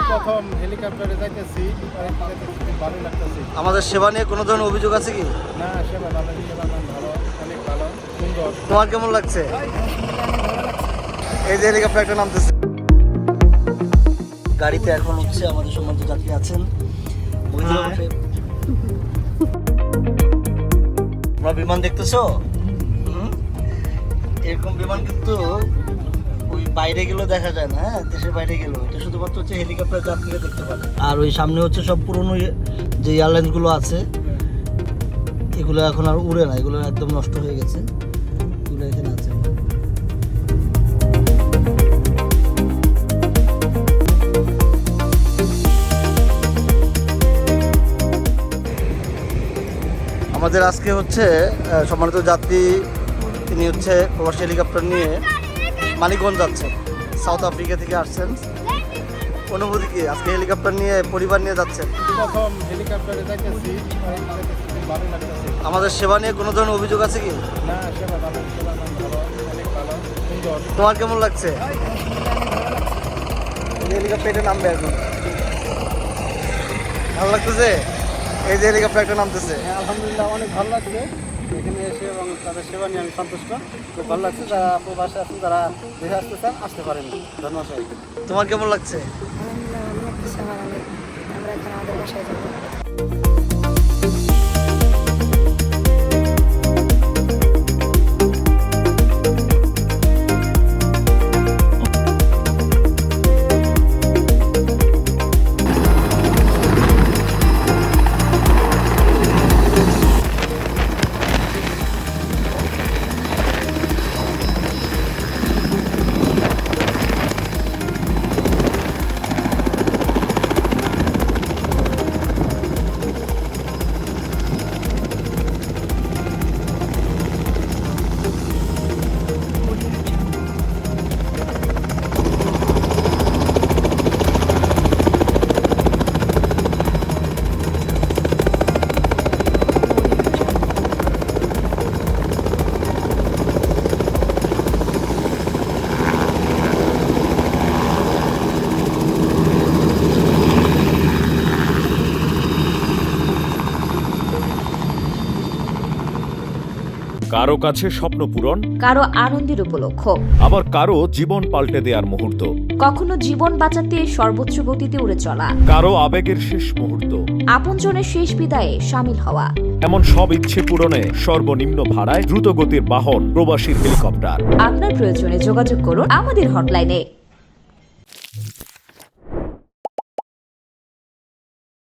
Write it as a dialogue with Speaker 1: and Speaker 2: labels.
Speaker 1: প্রথম হেলিকপ্টারে যাইতেছি, ভালো লাগতেছে।
Speaker 2: আমাদের সেবা নিয়ে কোনো ধরনের অভিযোগ আছে কি?
Speaker 1: না, সেবা ভালো, সেবা মান ভালো, অনেক ভালো, সুন্দর।
Speaker 2: তোমার কেমন লাগছে? এই যে হেলিকপ্টারটা নামতেছে, গাড়িতে এখন হচ্ছে আমাদের সম্মানিত যাত্রী আছেন। তোমরা বিমান দেখতেছো? এরকম বিমান কিন্তু ওই বাইরে গেলেও দেখা যায় না, হ্যাঁ, দেশের বাইরে গেলেও। এটা শুধুমাত্র হচ্ছে হেলিকপ্টার যাত্রীরা দেখতে পারে। আর ওই সামনে হচ্ছে সব পুরনো যে এয়ারলাইন্সগুলো আছে, এগুলো এখন আর উড়ে না, এগুলো একদম নষ্ট হয়ে গেছে। এগুলো এখানে আছে। আমাদের আজকে হচ্ছে সম্মানিত যাত্রী, তিনি হচ্ছে প্রবাসী হেলিকপ্টার নিয়ে মানিকগঞ্জ যাচ্ছেন, সাউথ আফ্রিকা থেকে আসছেন। অনুভূতি কি আজকে হেলিকপ্টার নিয়ে পরিবার নিয়ে যাচ্ছেন?
Speaker 1: প্রথম হেলিকপ্টারে যাইতেছি, ভালো লাগতেছে।
Speaker 2: আমাদের সেবা নিয়ে কোনো ধরনের অভিযোগ আছে কি?
Speaker 1: না, সেবা ভালো, সেবা মান ভালো, অনেক ভালো, সুন্দর।
Speaker 2: তোমার কেমন লাগছে? হেলিকপ্টারে নামবে এখন, ভালো লাগতেছে? এই যে হেলিকপ্টারটা নামতেছে।
Speaker 1: হ্যাঁ, আলহামদুলিল্লাহ অনেক ভালো লাগছে এখানে এসে, এবং তাদের সেবা নিয়ে আমি সন্তুষ্ট। খুব ভালো লাগছে। যারা প্রবাসে আছেন, যারা দেশে আসতে চান, আসতে পারেন। ধন্যবাদ সবাইকে।
Speaker 2: তোমার কেমন লাগছে?
Speaker 3: আলহামদুলিল্লাহ ভালো লাগতেছে আমার অনেক। আমরা এখন আমাদের বাসায় যাবো।
Speaker 4: কারো কাছে স্বপ্ন পূরণ,
Speaker 5: কারো আনন্দের উপলক্ষ,
Speaker 4: আবার কারো জীবন পাল্টে দেওয়ার মুহূর্ত,
Speaker 5: কখনো জীবন বাঁচাতে সর্বোচ্চ গতিতে উড়ে চলা,
Speaker 4: কারো আবেগের শেষ মুহূর্ত,
Speaker 5: আপনজনের শেষ বিদায়ে সামিল হওয়া।
Speaker 4: এমন সব ইচ্ছে পূরণে সর্বনিম্ন ভাড়ায় দ্রুতগতির বাহন প্রবাসীর হেলিকপ্টার।
Speaker 5: আপনার প্রয়োজনে যোগাযোগ করুন আমাদের হটলাইনে।